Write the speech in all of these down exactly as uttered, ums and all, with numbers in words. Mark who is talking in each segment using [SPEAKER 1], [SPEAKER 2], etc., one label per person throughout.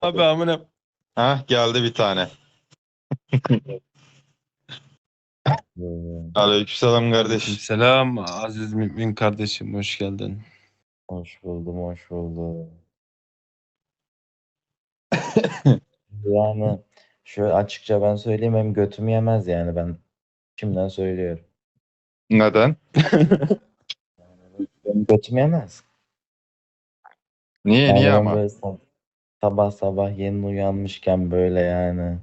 [SPEAKER 1] Abi amına.
[SPEAKER 2] Ha geldi bir tane.
[SPEAKER 3] Ee,
[SPEAKER 2] Aleykümselam kardeş.
[SPEAKER 1] Selam Aziz Mümin kardeşim, hoş geldin.
[SPEAKER 3] Hoş buldum, hoş buldum. Yani şöyle açıkça ben söyleyeyim, hem götümü yemez yani, ben şimdiden söylüyorum.
[SPEAKER 2] Neden?
[SPEAKER 3] Benim götüm yemez.
[SPEAKER 2] Niye
[SPEAKER 3] Yani
[SPEAKER 2] niye
[SPEAKER 3] ben
[SPEAKER 2] ama?
[SPEAKER 3] böyle sab- sabah sabah yeni uyanmışken böyle yani.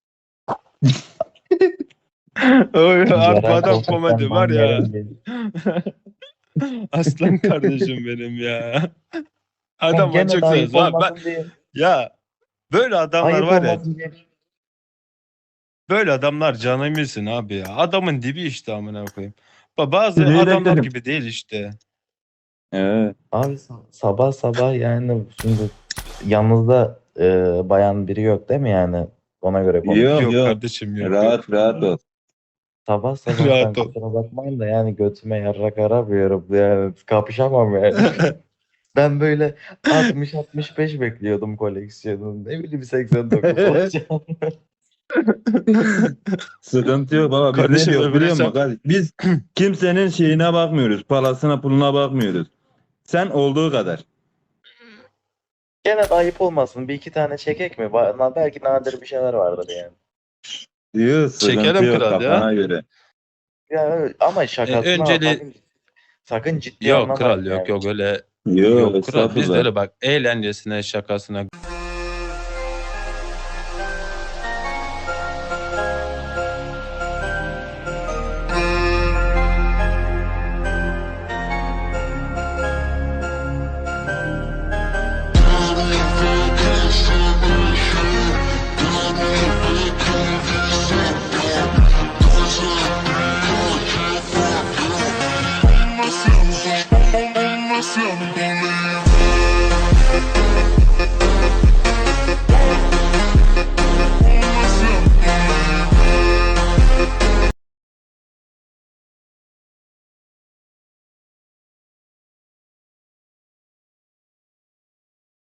[SPEAKER 1] Oy, harbi
[SPEAKER 3] Yerel
[SPEAKER 1] adam
[SPEAKER 3] koltuktan
[SPEAKER 1] komedi var
[SPEAKER 3] ben
[SPEAKER 1] ya.
[SPEAKER 3] yerim diye.
[SPEAKER 1] Aslan kardeşim benim ya.
[SPEAKER 3] Yani
[SPEAKER 1] Adam
[SPEAKER 3] gene de
[SPEAKER 1] çok seviyoruz.
[SPEAKER 3] ayıp
[SPEAKER 1] Abi ben,
[SPEAKER 3] olmasın diye.
[SPEAKER 1] ya böyle adamlar
[SPEAKER 3] Ayıp
[SPEAKER 1] var ya,
[SPEAKER 3] olmasın diye.
[SPEAKER 1] böyle adamlar canımızsın abi ya. Adamın dibi işte amına koyayım. Ba- Bazı
[SPEAKER 4] Bilerek
[SPEAKER 1] adamlar
[SPEAKER 4] dedim.
[SPEAKER 1] gibi değil işte.
[SPEAKER 4] Evet.
[SPEAKER 3] Abi sa- sabah sabah yani, şimdi yanınızda e, bayan biri yok değil mi yani? Ona göre
[SPEAKER 4] Yok
[SPEAKER 3] konuşuyorum.
[SPEAKER 1] Yok
[SPEAKER 4] yok.
[SPEAKER 1] kardeşim, yok yok.
[SPEAKER 4] Rahat rahat ol.
[SPEAKER 3] Sabah sabah ben,
[SPEAKER 1] Rahat ol.
[SPEAKER 3] kusura bakmayın da yani, götüme yarrak aramıyorum yani, kapışamam yani. Ben böyle altmış altmış beş bekliyordum koleksiyonun. Ne bileyim, seksen dokuz olacağım.
[SPEAKER 4] Sıkıntı yok baba. Biz ne
[SPEAKER 1] Kardeşim
[SPEAKER 4] diyoruz
[SPEAKER 1] öbür
[SPEAKER 4] biliyor musun
[SPEAKER 1] hesap.
[SPEAKER 4] kardeş? Biz kimsenin şeyine bakmıyoruz. Parasına puluna bakmıyoruz. Sen olduğu kadar.
[SPEAKER 3] Gene de ayıp olmasın. Bir iki tane çekek mi? Ba- Belki nadir bir şeyler vardır yani.
[SPEAKER 4] Yok sıkıntı
[SPEAKER 1] Çekelim
[SPEAKER 4] yok
[SPEAKER 1] kral ya.
[SPEAKER 4] kafana göre.
[SPEAKER 3] Ya evet, ama
[SPEAKER 1] E,
[SPEAKER 3] şakasını al.
[SPEAKER 1] önceli
[SPEAKER 3] Sakın, sakın ciddi
[SPEAKER 1] yok kral,
[SPEAKER 3] anlamayın
[SPEAKER 1] yok
[SPEAKER 3] yani.
[SPEAKER 1] yok öyle.
[SPEAKER 4] Yok
[SPEAKER 1] Yok kral, biz de
[SPEAKER 4] estağfurullah.
[SPEAKER 1] öyle bak, eğlencesine şakasına